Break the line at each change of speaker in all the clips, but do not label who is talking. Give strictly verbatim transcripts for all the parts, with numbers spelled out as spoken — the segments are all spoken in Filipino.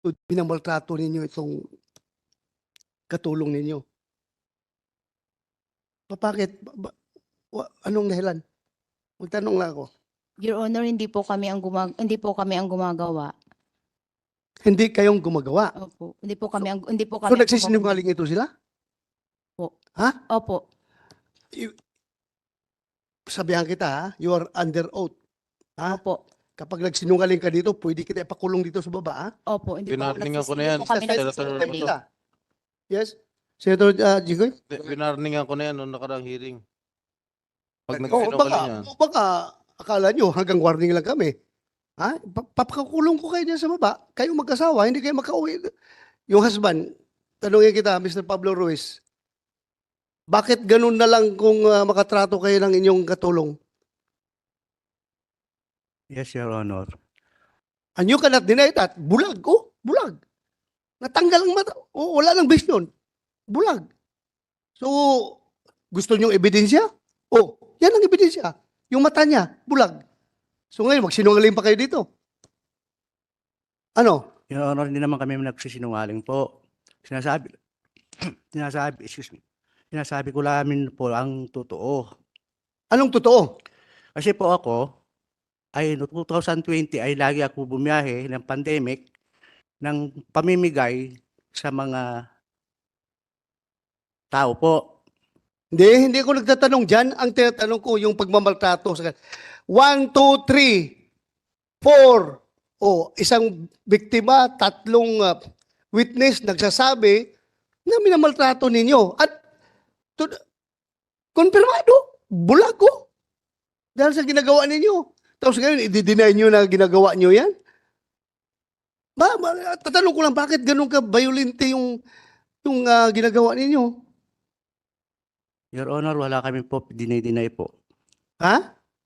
Binamaltrato ninyo itong katulong ninyo. Pa- Bakit? Ba- ba- wa- anong dahilan? Magtanong lang ako.
Your Honor, hindi po kami ang gumag hindi po kami ang gumagawa.
Hindi kayong gumagawa.
Opo. Hindi po kami ang hindi po
So
kami ang
nagsisinungaling ito sila?
Po.
Ha?
Opo.
I- Sabihan kita ha, you are under oath. Ha?
Opo.
Kapag nagsinungaling ka dito, pwede kita ipakulong dito sa baba ha?
Opo, hindi po
Binarningan ko na
hindi
yan,
po kami
Senator
nagsisinungaling.
Romulo.
Yes? Senator uh, Jigoy?
Binarningan ko na yan noong nakarang hearing. Pag
Oo,
nagsinungaling
baka,
yan.
baka akala nyo hanggang warning lang kami. Ha? Pa- Papakulong ko kayo dyan sa baba. Kayong magkasawa, hindi kayo makauwi. Yung husband, tanungin kita, Mister Pablo Ruiz, bakit ganun na lang kung uh, makatrato kayo ng inyong katulong?
Yes, Your Honor.
And you cannot deny that. Bulag, oh, bulag. Natanggal ang mata. Oh, wala nang vision. Bulag. So, gusto nyo ebidensya? Oh, yan ang ebidensya. Yung mata niya, bulag. So ngayon, magsinungaling pa kayo dito. Ano?
Your Honor, hindi naman kami nagsisinungaling po. Sinasabi, sinasabi, excuse me, sinasabi ko lamin po ang totoo.
Anong totoo?
Kasi po ako, ay no two thousand twenty ay lagi ako bumiyahe ng pandemic ng pamimigay sa mga tao po.
Hindi, hindi ako nagtatanong dyan. Ang tinatanong ko, yung pagmamaltrato. Sa One, two, three, four. O, isang biktima, tatlong uh, witness nagsasabi na minamaltrato ninyo. At, to, konfirmado, bulag ko. Dahil sa ginagawa ninyo. Tapos ngayon, i-deny nyo na ginagawa nyo yan? Ba, ba, tatanong ko lang, bakit ganun ka violente yung, yung uh, ginagawa ninyo?
Your Honor, wala kami po dinay-deny po.
Ha?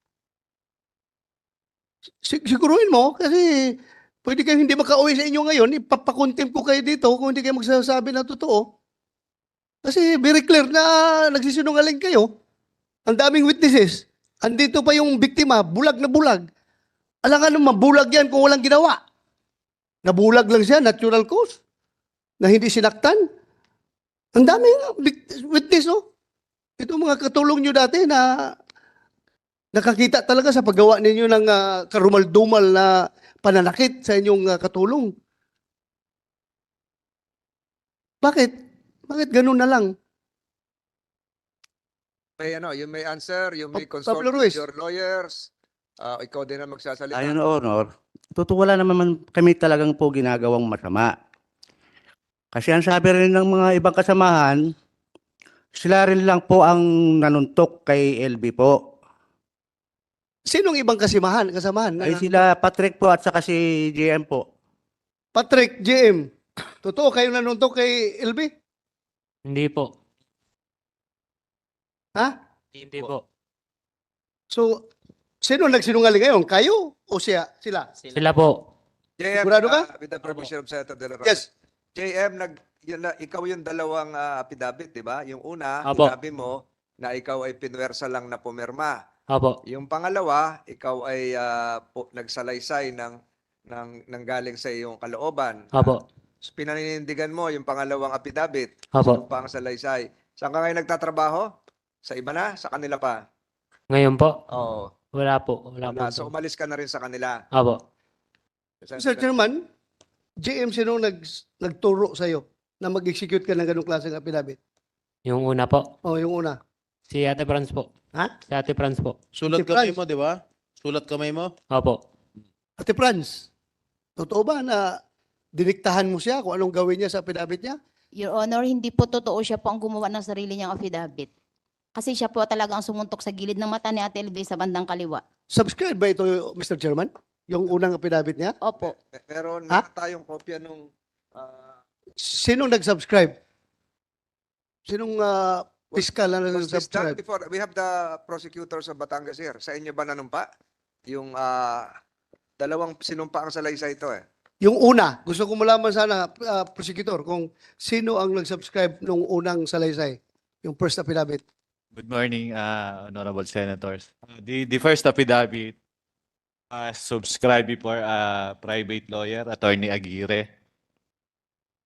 Sig- Siguruhin mo, kasi pwede kayo hindi makauwi sa inyo ngayon, ipapakontempt ko kayo dito kung hindi kayo magsasabi na totoo. Kasi very clear na nagsisinungaling kayo. Ang daming witnesses. Andito pa yung biktima, bulag na bulag. Alangan naman, bulag yan kung walang ginawa. Nabulag lang siya, natural cause. Na hindi sinaktan. Ang daming witness, oh. Ito mga katulong nyo dati na nakakita talaga sa paggawa ninyo ng uh, karumal-dumal na pananakit sa inyong uh, katulong. Bakit? Bakit ganun na lang?
May ano, you may answer, you may
Pa-
consult
Pablo
with
Ruiz.
your lawyers. Ah, ikaw din ang magsasalita.
Ayun, Your Honor, totoo wala naman kami talagang po ginagawang masama. Kasi ang sabi rin ng mga ibang kasamahan, sila rin lang po ang nanuntok kay L B po.
Sinong ibang kasimahan, kasamahan?
Ay
Uh,
sila Patrick po at saka si J M po.
Patrick, J M. Totoo kayo nanuntok kay L B?
Hindi po.
Ha?
Hindi po.
So, sino nagsinungaling ngayon? Kayo o siya? Sila?
Sila po.
J M,
Sigurado ka?
ah, with the permission of Senator De La Rosa.
Yes.
J M, nag, yun na, ikaw yung dalawang ah, affidavit, di ba? Yung una,
Apo.
sinabi mo na ikaw ay pinwersa lang na pumirma.
Opo.
Yung pangalawa, ikaw ay ah, po, nagsalaysay ng, ng, ng galing sa iyong kalooban.
Opo.
So, pinaninindigan mo yung pangalawang affidavit.
Opo.
Yung pang salaysay. Saan ka ngayon nagtatrabaho? Sa iba na? Sa kanila pa?
Ngayon po,
Oo.
wala po. Wala po.
Wala. So umalis ka na rin sa kanila.
Opo.
Mister Chairman, J M, sino nag, nagturo sa'yo na mag-execute ka ng ganong klaseng affidavit?
Yung una po,
O, yung una.
si Ate Franz po.
Ha?
Si Ate Franz po.
Sulat
Si
kamay
Franz.
mo, di ba? Sulat kamay mo?
Opo.
Ate Franz, totoo ba na diniktahan mo siya kung anong gawin niya sa affidavit niya?
Your Honor, hindi po totoo siya po ang gumawa ng sarili niyang affidavit. Kasi siya po talaga ang sumuntok sa gilid ng mata ni Ate L B sa bandang kaliwa.
Subscribe ba ito, Mister Chairman? Yung unang affidavit niya?
Opo.
Pe- Pero
Ha?
meron tayong kopya nung ah,
Sinong nag-subscribe? Sinong uh, fiscal na
was this done
nag-subscribe?
before? We have the prosecutors of Batangas here. Sa inyo ba nanumpa? Yung ah, dalawang sinumpa ang salaysay ito eh.
Yung una, gusto ko malaman sana, uh, prosecutor, kung sino ang nag-subscribe nung unang salaysay, yung first affidavit.
Good morning, uh, honorable senators. Uh, the, the first affidavit uh, subscribed before uh, private lawyer, Attorney Aguirre.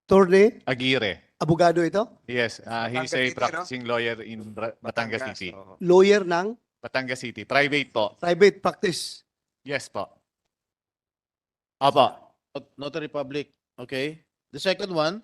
Attorney,
Aguirre.
abogado ito,
Yes, uh, he's
Batangas
a
City, no?
practicing lawyer in Bra- Batangas
Batangas,
City.
oo.
lawyer ng
Batangas City. Private po.
private practice.
Yes po. Opo.
Not- Notary public. Okay. The second one,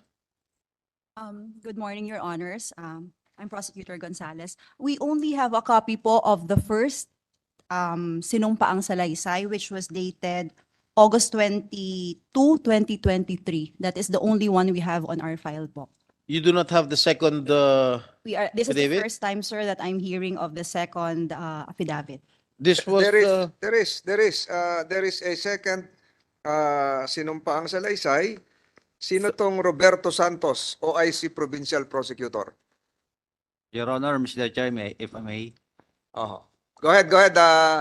Um, good morning, Your Honors. Um, I'm Prosecutor Gonzalez. We only have a copy po of the first um, sinumpaang salaysay, which was dated August twenty-second, twenty twenty-three. That is the only one we have on our file po.
you do not have the second, uh,
We are, this is the
Affidavit?
first time, sir, that I'm hearing of the second uh, affidavit.
this was,
There is,
uh,
there is, there is, uh, there is a second uh, sinumpaang salaysay. Sino tong Roberto Santos, O I C Provincial Prosecutor?
Your Honor, Mister Chair, may, if I may,
Oho. Go ahead, go ahead. Uh,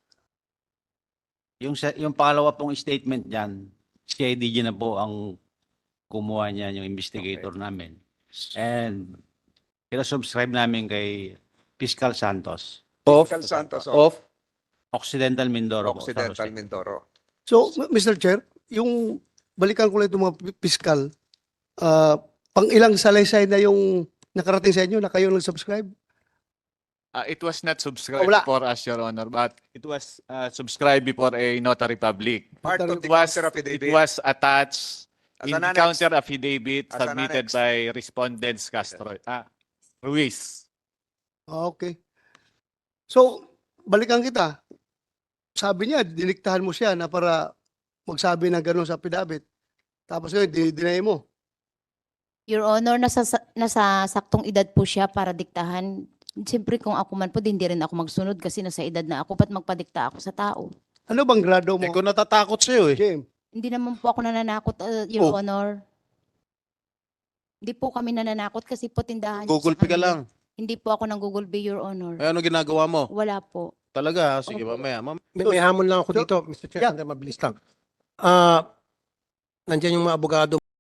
yung, sa- yung pangalawa pong statement dyan, si I D G na po ang kumuha niya, yung investigator namin. And pinasubscribe namin kay Fiscal Santos,
Cal Santos of
of,
Occidental Mindoro po, San
Occidental
Jose.
Mindoro.
So, M- Mister Chair, yung balikan ko lang itong mga pi- piskal, ah, pang ilang salaysay na yung nakarating sa inyo na kayo nag-subscribe?
Uh, it was not subscribed
Wala.
for us, Your Honor, but it was uh, subscribed before a notary public.
Part of
It
the
It was,
counter
it
affidavit.
was attached
As
in
an
the
annex.
counter affidavit
As an
submitted
annex.
by respondents Castro, ah, Ruiz.
Ah, okay. So, balikan kita. Sabi niya, diniktahan mo siya na para magsabi ng gano'n sa affidavit. Tapos ngayon, dinay mo.
Your Honor, nasa, sa- nasa saktong edad po siya para diktahan. Siyempre kung ako man po, di hindi rin ako magsunod kasi nasa edad na ako. Ba't magpadikta ako sa tao?
Ano bang grado mo,
eh, kung natatakot sa'yo eh.
James?
Hindi naman po ako nananakot, uh, Your
Oh.
Honor. Hindi po kami nananakot kasi po tindahan niyo
Google
sa
Pay ka
kanila.
lang.
Hindi po ako nang Google Pay, Your Honor.
Eh, ano ginagawa mo?
Wala po.
Talaga, ha? Sige,
Opo.
mamaya. Mam-
May, may hamon lang ako
So-
dito, Mister Chair,
Yeah.
sandali, mabilis lang. Ah, nandiyan yung mga abogado